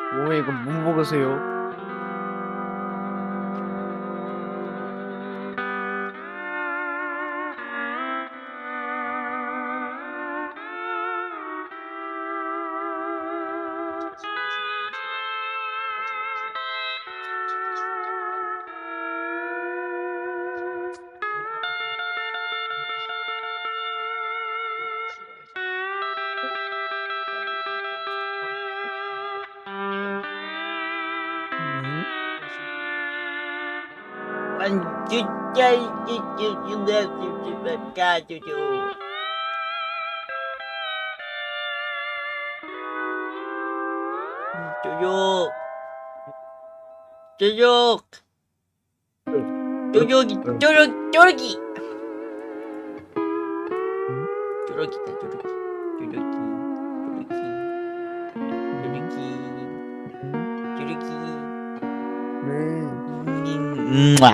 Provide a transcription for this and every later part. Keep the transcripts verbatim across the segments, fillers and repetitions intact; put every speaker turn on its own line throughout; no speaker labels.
왜 이거 못 먹으세요? 음?
쪼욕 쪼욕 쪼욕이 쪼욕 쪼욕이 쪼욕이다 쪼욕이 쪼욕이 쪼욕이 쪼욕이
네.
음, 음,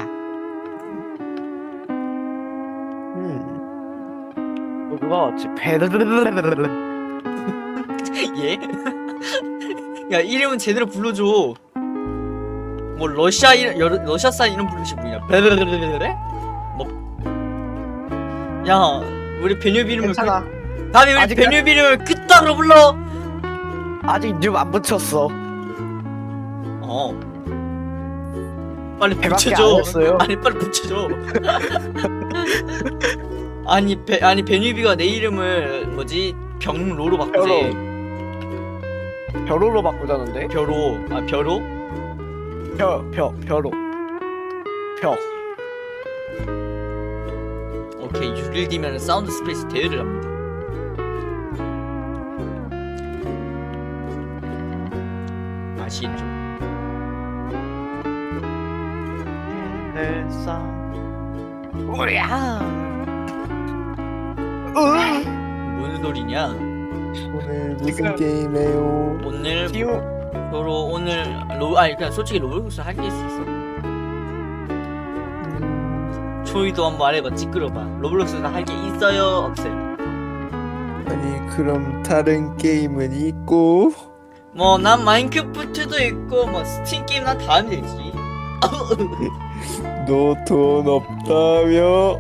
음. 어, 누가 왔지? 베르르르르르르.
예? 야 이름은 제대로 불러줘. 뭐 러시아 이름 여, 러시아산 이름 부르시 뭐냐? 베르르르르르? 뭐? 야 우리 베뉴비 이름을
괜찮아.
그, 다음에 우리
아직
베뉴비 이름을 그따로 불러.
아직 이름 안 붙였어.
어. 빨리
배밖에 안
붙여줘.
했어요.
아니 빨리 붙여줘. 아니 베 아니 베뉴비가 내 이름을 뭐지 병로로 바꾸지.
벼로로 바꾸자는데?
벼로 아 벼로?
벼, 벼, 벼로. 벼.
오케이 육 일 뒤면 사운드 스페이스 대회를 합니다. 아시겠죠?
헬사. 우야. 으.
뭔 소리냐?
오늘 무슨
지금-
게임해요?
오늘
지우.
서로 오늘 로 아니 그냥 솔직히 로블록스 할 게 있어.
음,
초이도 한번 말해봐. 찌끄러봐. 로블록스 할 게 있어요? 없어요?
아니 그럼 다른 게임은 있고
뭐 난 마인크래프트도 있고 뭐 스팀 게임 난 다 하면 되지.
너 돈 없다며?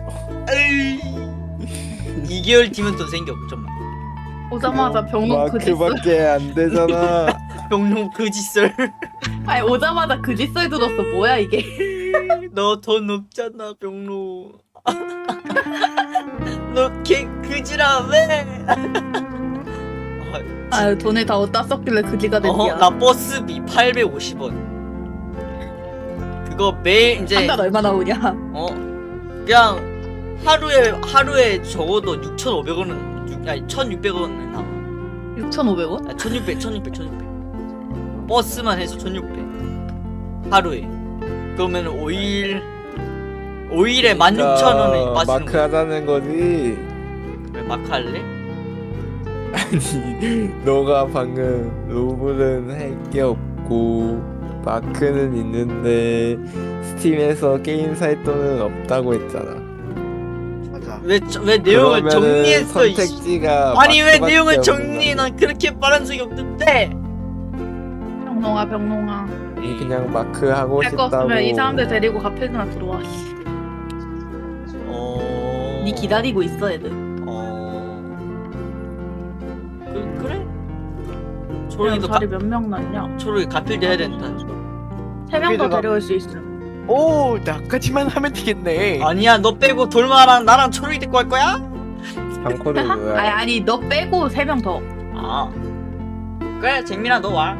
이 개월 뒤면 돈 생겨. 잠깐만.
오자마자 병롱 그짓썰.
마크밖에 안 되잖아.
병룡 그짓설.
아니 오자마자 그짓썰 들었어. 뭐야 이게?
너 돈 없잖아 병로. 너개 그지라 왜?
아 돈을 다 어디다 썼길래 그지가 됐냐?
어, 나 버스비 팔백오십 원. 그거 매일 이제
한 달 얼마 나오냐?
어 그냥 하루에 하루에 적어도 육천오백 원은 육, 아니 천육백 원은 나와.
육천오백 원?
아, 천육백, 천육백, 천육백. 버스만 해서 천육백. 하루에. 그러면 오 일 오 일에 만 육천 원에
그러니까
빠지는
마크
거야.
하자는 거지.
왜 마크 할래?
아니 너가 방금 로블은 할 게 없고 마크는 있는데 스팀에서 게임 살 돈은 없다고 했잖아.
맞아.
왜, 저- 왜 내용을
그러면은
정리했어 이씨.
선택지가
아니 왜
마크밖에
내용을
없는
정리해? 난 그렇게 말한 적이 없는데.
병롱아 병롱아.
아니 그냥 마크 하고
할 거
싶다고.
없으면 이 사람들 데리고 카페나 들어와.
어.
니 기다리고 있어 애들.
어. 그 그래?
그냥
초록이도
자리
가,
몇 명 났냐?
초록이 가필 돼야 된다.
세 명 더
여기다가-
데려올 수 있어.
오, 나까지만 하면 되겠네.
아니야 너 빼고 돌마랑 나랑 초록이 데리고 갈 거야?
방코드
아니
뭐야?
아니 너 빼고 세 명 더.
아 그래 쟁민아 너 와.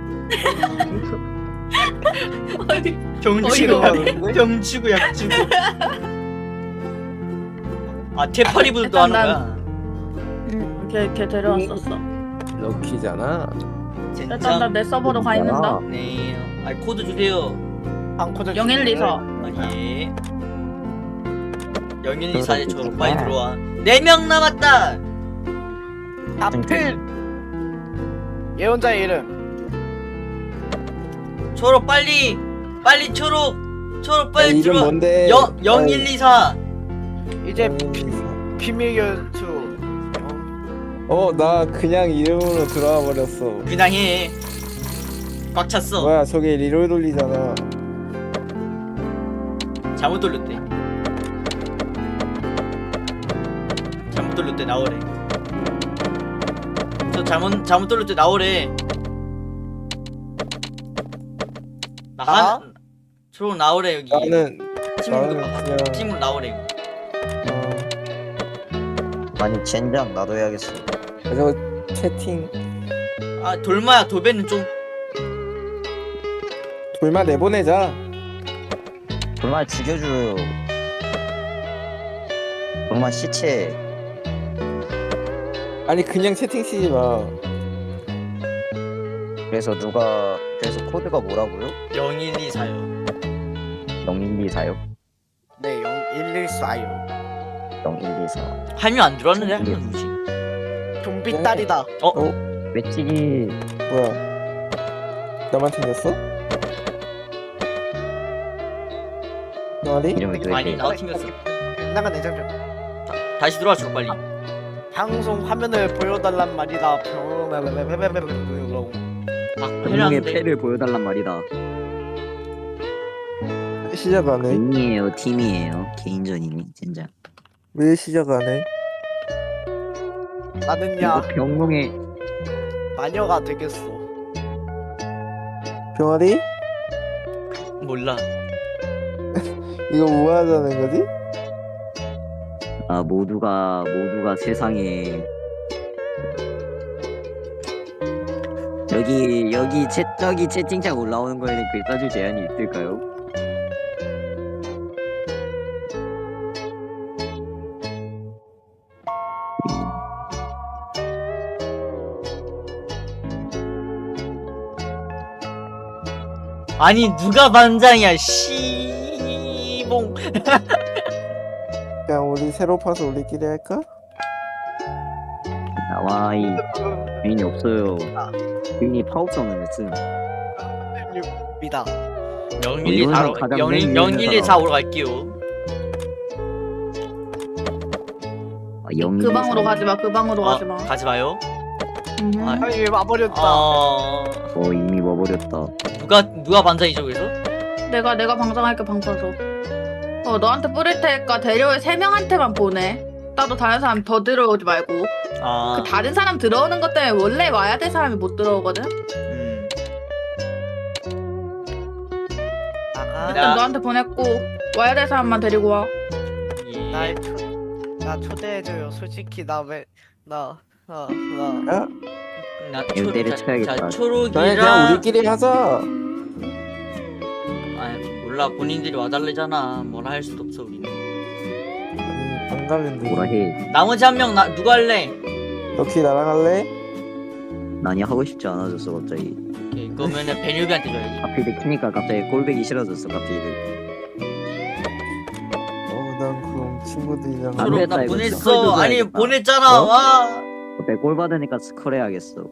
어디?
병주고
어이가
없네.
병주고 약주고. 아 테파리브도 하는
일단
거야.
응, 걔, 걔 데려왔었어.
럭키잖아.
일단
젠장.
나내 서버로 가 있는다.
네. 아 코드 주세요.
방코드
영일리사.
아 예. 영일이사에 저 빨리 들어와. 네 명 남았다.
앞필 예언자의 이름.
초록 빨리 빨리 초록 초록
야,
빨리
이름
들어와.
뭔데?
영 영일이사.
이제
음.
비밀 연수.
어, 나 그냥 이름으로 들어와 버렸어.
그냥 해. 꽉 찼어.
뭐야 저게 리롤 돌리잖아.
잘못 돌렸대. 잘못 돌렸대 나오래. 저 잘못 잘못 돌렸대 나오래. 나
나?
한. 초록 나오래 여기.
나는
팀으로
나는 그냥
팀으로 나오래. 이거.
어,
아니 젠장 나도 해야겠어.
그래서 채팅
아 돌마야 도배는 좀.
돌만 내보내자.
정말 죽여줘요. 정말 시체.
아니 그냥 채팅 치지 마.
그래서 누가 그래서 코드가 뭐라고요?
영일이사요.
영일이사요?
네, 영일일사요.
영일이사.
할미 안 들어왔는데 할미 누구지?
좀비 딸이다.
외치기.
뭐야? 나만 튕겼어? 너리?
이름이 왜
아니
이래?
나 튕겼어.
나가 내장점.
다시 들어와 줘 빨리.
방송 화면을 보여달란 말이다.
막
운명의
해놨는데.
패를 보여달란 말이다.
시작 안 해?
개인이에요, 팀이에요. 개인전이니 젠장.
왜 시작 안 해?
나는야
병롱의
마녀가 되겠어.
병아리?
몰라.
이거 뭐 하자는 거지?
아 모두가 모두가 세상에 여기 여기 채 저기 채팅창 올라오는 거에는 글자주 제한이 있을까요?
아니 누가 반장이야 씨봉.
그냥 우리 새로 파서 우리끼리 할까?
나와 이 주인이 없어요. 주인이 파업성을 했음.
미다.
영일이사로
가장
영일
맨 위에
영일이사오로 갈게요.
아, 영이
그 방으로 가지 마. 그 방으로
어,
가지 마.
가지 마요.
음.
아,
아니 와버렸다.
어
어 이미 와버렸다.
누가 누가 반장이죠 그래서?
내가 내가 방장할게 방파서. 어 너한테 뿌릴 테니까 데려올 세 명한테만 보내. 나도 다른 사람 더 들어오지 말고.
아.
그 다른 사람 들어오는 것 때문에 원래 와야 될 사람이 못 들어오거든.
음.
나가.
일단
야.
너한테 보냈고 와야 될 사람만 데리고 와.
예.
날 초, 나 초대해줘요. 솔직히 나 왜 나 나 나.
야,
나
이거 때려
자,
쳐야겠다.
자
너네 그냥
초록이랑
우리끼리 하자.
아 몰라 본인들이 와달래잖아. 뭐라 할 수도 없어 우리는.
아니 안 가면 돼.
뭐라 해?
나머지 한 명 나 누가 할래?
럭키 나랑 할래?
난이 하고 싶지 않아졌어 갑자기.
오케이 그러면은 베뉴비한테 줘야지.
앞에 키니까 갑자기 꼴배기 싫어졌어 갑자기.
어, 난 그럼 친구들이랑
안
초록
됐다,
나
이거.
보냈어.
스컬도
아니
줘야겠다.
보냈잖아.
어?
와.
갑자기 꼴 받으니까 스컬 해야겠어.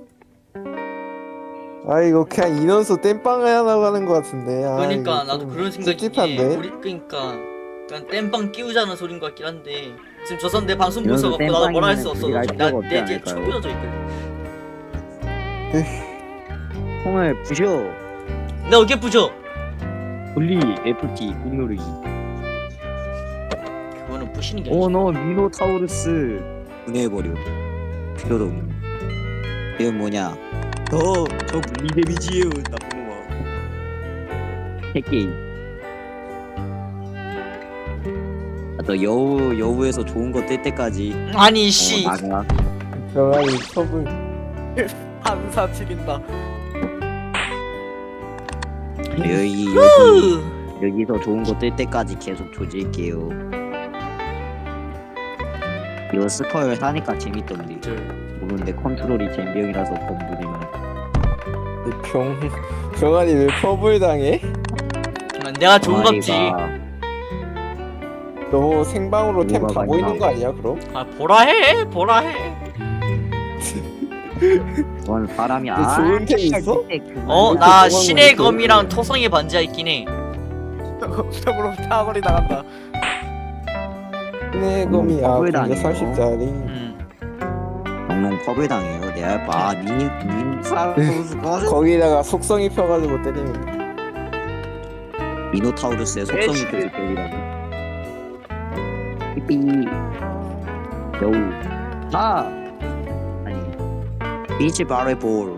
아 이거 그냥 인원수 땜빵 하려고 하는 것 같은데. 아,
그러니까
이거
나도
좀
그런 생각이.
찝찝한데?
우리 그러니까 그냥 땜빵 끼우자는 소린 것 같긴 한데 지금 저 사람 내 방송
이런
보서 갖고 나도 뭐라 할 수 없어.
땜빵이면
지금
우리가 할 필요가
나내
없지
뒤에
않을까요?
촉 삐어져 있거든.
통을 부셔.
나 어깨 부셔.
분리 에프티 꾹 누르기.
그거는 부시는 게 아니지.
오너 미노타우루스 분해해버려. 필요도 없는. 이건 뭐냐? 저저 분리 데미지예요 나쁜 놈아. 핵게임. 아또 여우 여우에서 좋은 거 뜰 때까지
아니
어,
씨.
나가.
병아리 컵을
한사 치린다.
여기 여기
후.
여기서 좋은 거 뜰 때까지 계속 조질게요. 이거 스컬 하니까 재밌던데. 모르는데 컨트롤이 잼병이라서 범부리면.
병 병아리 왜 퍼블 당해?
내가 좋은 겁지.
너 생방으로 템
뭐가
다 보이는
많이
거 아니야 그럼?
아 보라 해 보라 해.
원 사람이
너
아.
좋은 템 있어?
어
이렇게
나
도망을
신의
이렇게
검이랑 토성의 반지하 있긴 해.
병으로 타거리 나간다.
네 검이 아
퍼블
근데
당해요.
삼십 짜리.
음.
영롱 펍을 당해요. 내 알바 님 사우스가
거기다가 속성 입혀가지고 때리면 돼.
미노타우루스의 속성이
에이치.
계속 때리라고. 삐삐. 여우. 아. 아니. 비치 바레볼.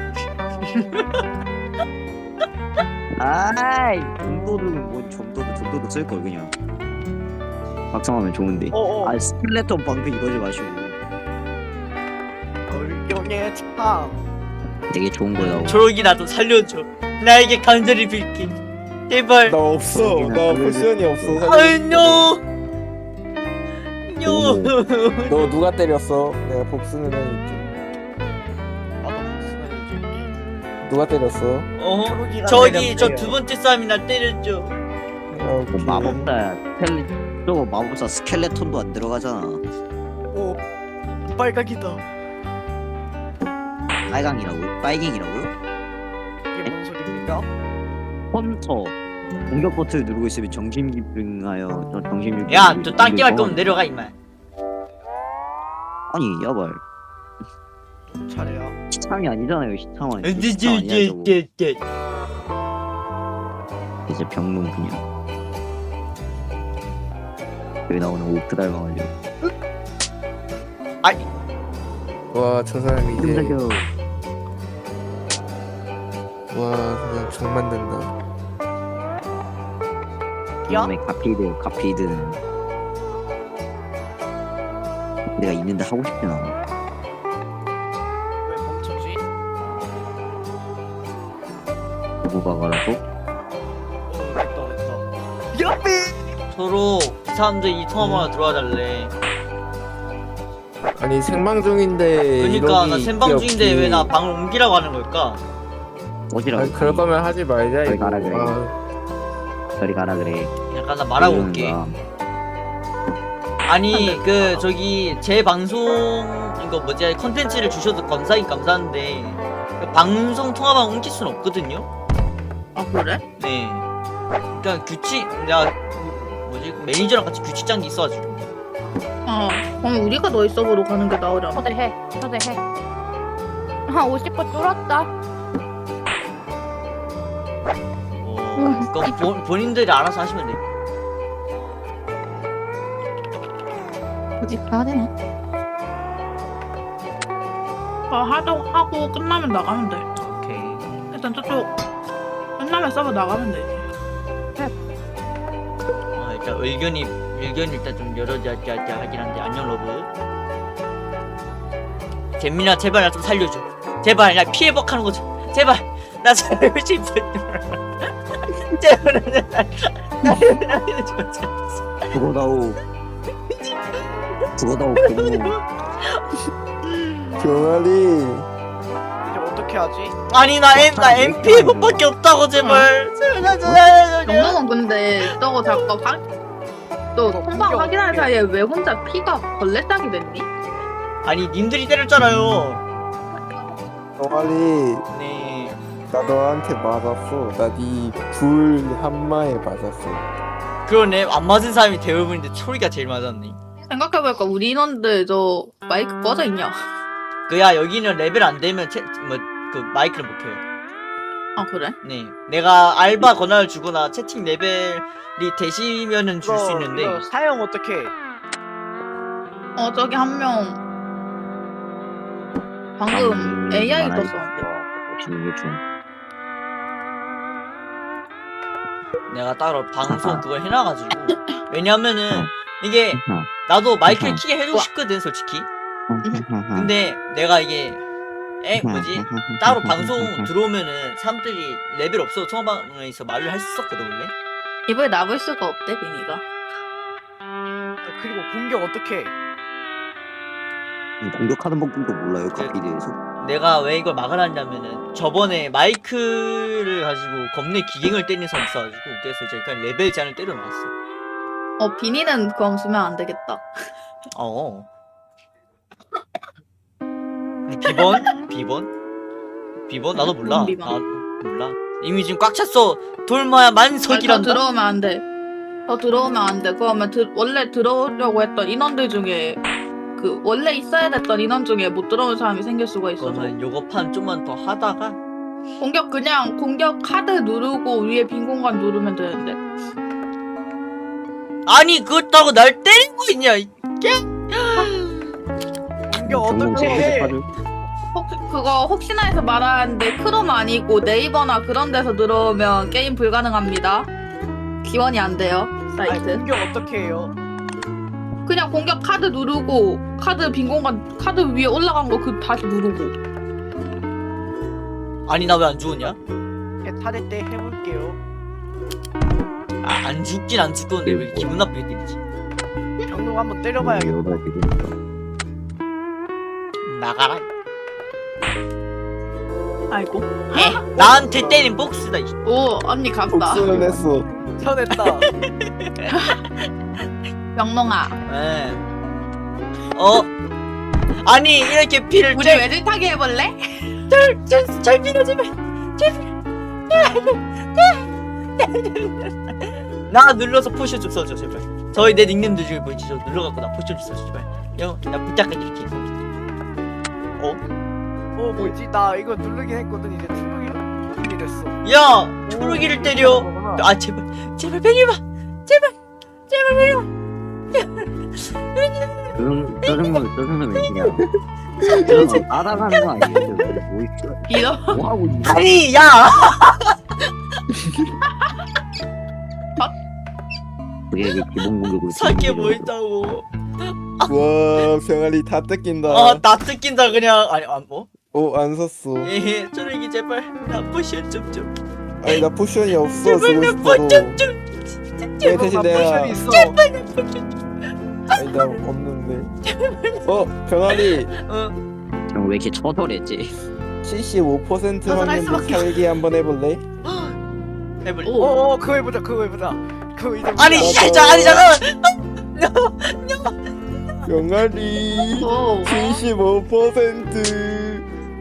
아이 정도는 뭔 정도도 정도도 쓸걸 그냥. 박성하면 좋은데.
어어
아 스켈레톤 방패 이러지 마시고.
얼경의 참
되게 좋은 거라고.
초록이라도 살려줘. 나에게 간절히 빌게. 제발.
나 없어. 나 포션이 없어.
아뇨. 뇨.
너 누가 때렸어? 내가 복수는 해줄게.
나도 복수는 해줄게
누가 때렸어?
어?
초록이가
저기 저
내렸대요.
두 번째 싸움이나 때렸죠.
아,
뭐 마법사 스켈레 저거 마법사 스켈레톤도 안 들어가잖아.
오 빨강이다
빨강이라고요? 빨갱이라고요?
이게 뭔 소리입니까?
헌터 공격 버튼을 누르고 있으면 정신기능하여 저 정신기능.
야, 저 땅 깨할 거면 내려가 임마.
아니 야발
잘해요
시참이 아니잖아요 시참은.
네,
시참 아니야 저거.
찌찌찌찌.
이제 병문 그냥. 여기 나오는 오프 닮아가지고.
와, 저 사람이 이제
끔찍해요.
와, 그냥 정 만든다.
야?
이놈의 가피드 가피드는 내가 있는데 하고 싶진 않아.
왜 멈췄지?
누구 가라고?
어 됐다 됐다 야삐
서로 이 사람들 이 통화번호 들어와 달래.
아니 생방 중인데
그러니까 나
이러기
생방
있기
중인데
없기.
왜 나 방을 옮기라고 하는 걸까?
어디라고?
아니, 그럴 거면 하지 말자
저리
이거.
가라 그래.
아,
저리 가라 그래.
약간 나 말하고
이러는
올게.
거야.
아니 그 저기 제 방송 이거 뭐지 컨텐츠를 주셔도 감사하긴 감사한데 그 방송 통화방 옮길 수는 없거든요.
아 그래?
네. 그러니까 규칙 내가 뭐지 매니저랑 같이 규칙 짠 게 있어가지고.
어 그럼 우리가 너희 서버로 가는 게 나으려나?
초대해, 초대해. 한 오십 분 뚫었다.
어, 그건 본- 본인들이 알아서 하시면 돼.
굳이 가야 되나?
아 하도 하고 끝나면 나가면 돼.
오케이.
일단 저쪽 끝나면 서버 나가면 되지.
어, 일단 의견이 의견이 일단 좀 여러 가지 하긴 한데 안녕 러브. 재민아 제발 나 좀 살려줘. 제발 나 피해 복하는 거 좀. 제발 나 살고 싶어. 제발 나 나- 나 살려줘.
죽어다오. 죽어다오 병문.
병아리.
이제 어떻게 하지?
아니 나 M 나 엠피에프밖에 없다고 제발. 제발 나 좀 살려줘.
영롱은 근데 저거 자꾸 방... 너
이거
통방
공격
확인하는
어떻게
사이에 왜 혼자 피가 벌레짝이 됐니?
아니 님들이 때렸잖아요.
병아리.
네.
나 너한테 맞았어. 나 네 불 한마에 맞았어.
그러네 안 맞은 사람이 대부분인데 초리가 제일 맞았네.
생각해보니까 우리 인원들 저 마이크 꺼져 있냐?
그야 여기는 레벨 안 되면 채, 뭐, 그 마이크를 못 켜요.
아 그래?
네. 내가 알바 권한을 주거나 채팅 레벨이 되시면은 줄 수
이거-
있는데
이거 사용 어떻게 해?
어 저기 한 명 방금 에이아이 떴었는데.
보시는 게 좀.
내가 따로 방송 그걸 해놔가지고 왜냐면은 이게
어.
나도 마이크를
어.
키게 해주고 싶거든 솔직히.
근데
근데 내가 이게 에 뭐지 따로 방송 들어오면은 사람들이 레벨 없어도 통화방에서 말을 할 수 있었거든 원래.
입을 나볼 수가 없대 비니가.
그리고 공격 어떻게 해?
공격하는 방법도 몰라요 가피드에서.
내가 왜 이걸 막으라냐면은 저번에 마이크를 가지고 겁내 기갱을 때리는 사람 있어가지고 그래서 이제 그냥 레벨 제한을 때려놨어.
어 비니는 그럼 쓰면 안 되겠다.
어. 비번? 비번? 비번? 나도 몰라.
뭔 비번?
나 몰라. 이미 지금 꽉 찼어. 돌마야
더
만석이란다.
들어오면 안 돼. 더 들어오면 안 돼. 그러면 드, 원래 들어오려고 했던 인원들 중에 그 원래 있어야 됐던 인원 중에 못 들어온 사람이 생길 수가 있어서
그러면 요거 판 좀만 더 하다가
공격 그냥 공격 카드 누르고 위에 빈 공간 누르면 되는데.
아니 그렇다고 날 때리고 있냐 이
공격
전공
어떻게 해?
카드.
혹 그거 혹시나 해서 말하는데 크롬 아니고 네이버나 그런 데서 들어오면 게임 불가능합니다. 기원이 안 돼요
아니
사이트.
공격 어떻게 해요?
그냥 공격 카드 누르고 카드 빈 공간 카드 위에 올라간 거 그 다시 누르고.
아니 나 왜 안 죽었냐?
탈의 때 해볼게요.
아, 안 죽긴 안 죽었는데 왜 기분 나쁘게 때리지?
병동 한번 때려봐야겠다.
여기다 되겠다.
나가라
아이고.
에 나한테 때린 복수다 이
오 언니 갔다.
복수는 했어.
쳐냈다.
명롱아.
에. 어? 아니 이렇게 피를
우리 외질타기 해볼래?
잘, 잘 밀어주면 잘 나 눌러서 포션 좀 써줘 제발. 저희 내 닉네임들 중에 보이지? 저 눌러갖고 나 포션 좀 써줘 제발. 형, 나 부탁해 이렇게. 어?
어 뭐지? 나 이거 누르긴 했거든. 이제 투명이 됐어.
야! 초록이를 때려. 아 제발 제발 베리마 제발 제발 베리마.
저런 저런 거 저런 거 웬일이야? 저런 거 따라가는 거 아니에요? 뭐 있어?
이러.
뭐 하고 있는
아니 야!
그게 이게 기본 공격으로.
살게 뭐 있다고.
와 병아리 다 뜯긴다.
아나 뜯긴다 그냥. 아니 안 뭐?
어안 샀어.
에헤 초록이 제발 나 포션 좀좀
아니 나 포션이 없어.
제발
쓰고
나
싶어도.
포션 좀
왜 대신 내가
포션이 있어.
아니 나 없는데. 어 병아리
어
왜 이렇게 처절했지?
칠십오 퍼센트
벗어날
확률로
수밖에 없-
살기 한번 해볼래?
해볼래?
오.
어어 그거 해보자. 그거 해보자. 그거 이제
아니
우리가-
씨, 자, 아니 잠깐만.
병아리
오.
칠십오 퍼센트.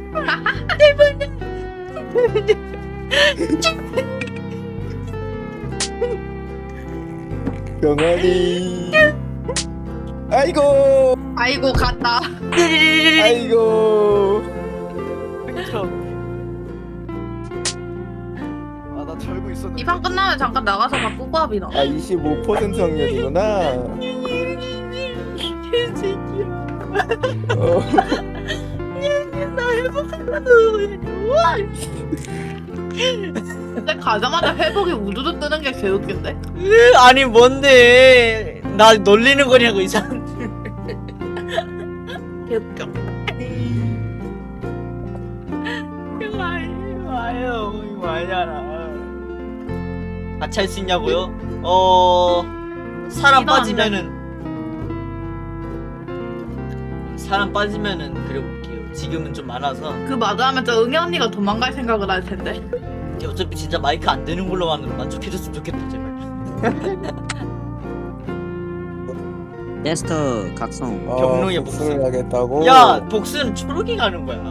병아리. 아이고
아이고 갔다.
아이고.
아나 절고 있었는데.
이 판 끝나면 잠깐 나가서 바꾸고 합이나.
아 이십오 퍼센트 확률이구나. 어.
근데 가자마자 회복이 우두두 뜨는 게 개웃긴데?
으, 아니 뭔데? 나 놀리는 거냐고 이 사람들.
개웃겨.
이거 아니- 이거 아니에요. 이거 아니잖아. 같이 할 수 있냐고요? 어 사람
이거 안
빠지면은 사람 빠지면은 그려볼게요. 지금은 좀 많아서.
그 마주하면 저 응애 언니가 도망갈 생각을 할 텐데.
어차피 진짜 마이크 안 되는 걸로만 만족해줬으면 좋겠다 제발.
테스터 각성.
어,
경로의
복수를
복수.
하겠다고.
야 복수는 초록이 가는 거야.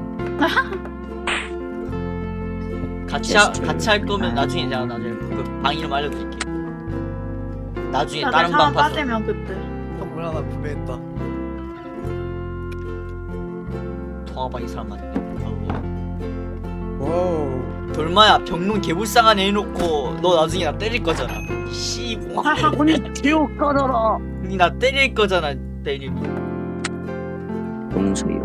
같이 하,
게스트.
같이 할 거면 나중에 제가 나중에 그 방 이름 알려드릴게. 나중에
다들
다른
상황
방 가서
빠지면 그때.
선물 하나 구매했다.
통화방 이 사람 많네.
와우.
돌마야 병론 개불쌍한 애 해놓고 너 나중에 나 때릴 거잖아. 씨봉.
아니 지옥 가더라.
나 때릴 거잖아 때리고.
용서요.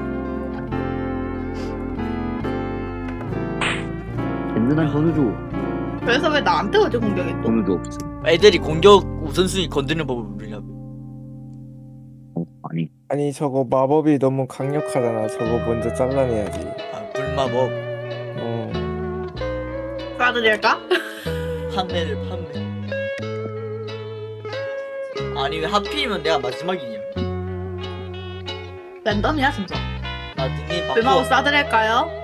든든한 전우 줘.
그래서 왜 나한테 어제 공격했어?
전우 줘 없어.
애들이 공격 우선순위 건드는 법을 모르냐고.
어, 아니
아니 저거 마법이 너무 강력하잖아. 저거 먼저 잘라내야지.
아 불마법
어.
쏴드릴까?
판매를 판매. 아니 왜 하필이면 내가 마지막이냐?
랜덤이야 진짜.
나 닉네임
불마법
바꿔.
쏴드릴까요?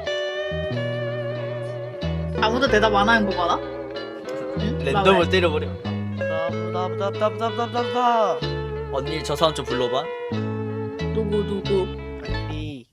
아무도 대답 안 하는 거 봐라. 응?
랜덤을 때려버려.
나부다부다부다부다부다.
언니 저 사람 좀 불러봐.
누구 누구
이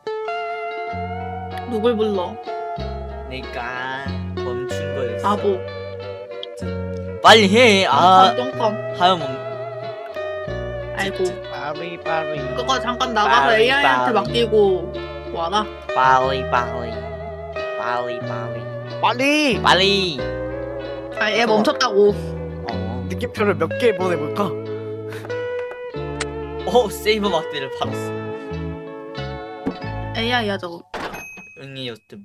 누굴 불러?
내가 멈춘 거였어.
바보.
빨리 해. 아
똥컴.
하염 없.
아이고.
아 빠리 빠리
그거 잠깐 나가서
빨리,
에이아이한테
빨리.
맡기고 와라.
빨리 빨리 빨리 빨리
빨리
빨리.
아, 얘 멈췄다고.
어,
느낌표를 몇 개 보내볼까?
어 세이버 막대를 팔았어.
에이아이야 저거.
응이었음.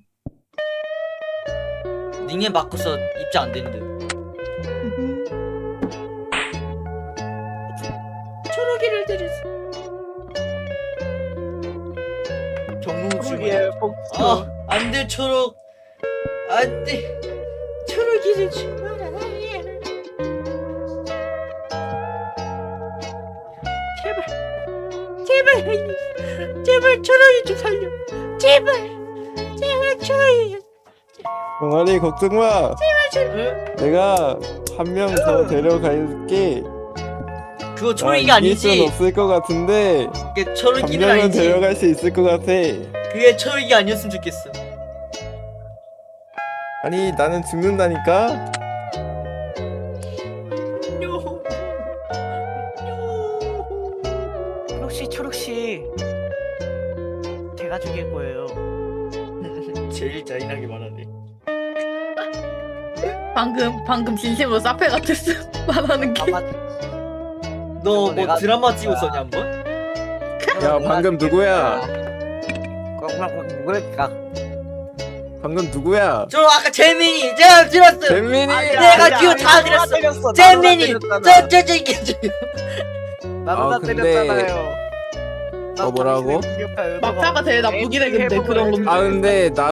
닝에 바꿔서 입장 안 되는데. 초록이를 들였어. 경농주기에
복수
아 안돼 초록 안돼 초록이를 죽어라. 제발 제발 제발 초록이 좀 살려. 제발 제발 초록이.
동아리 걱정 마.
응?
내가 한 명 더 데려갈게.
그거
나
초록이가
이길 순
아니지.
없을 것 같은데
그게
한
초록이는
명은
아니지.
데려갈 수 있을 것 같아.
그게 초록이 아니었으면 좋겠어.
아니 나는 죽는다니까.
초록씨 초록씨 제가 죽일 거예요.
제일 잔인하게 말하네.
방금 방금 진심으로 사페 같았어. 말하는 게.
아마
너 뭐
내가
드라마 찍었었냐 한번?
야 방금 누구야?
꽉꽉꽉 누굴까?
방금 누구야?
저 아까 재민이 제가 들었어.
잼민이.
내가 기호 다 들었어. 재민이 저저저 이게 저.
나보다
아, 근데-
때렸잖아요.
어, 뭐라고?
막타가 제일 나쁘긴 해 근데 그런 건.
아 근데 나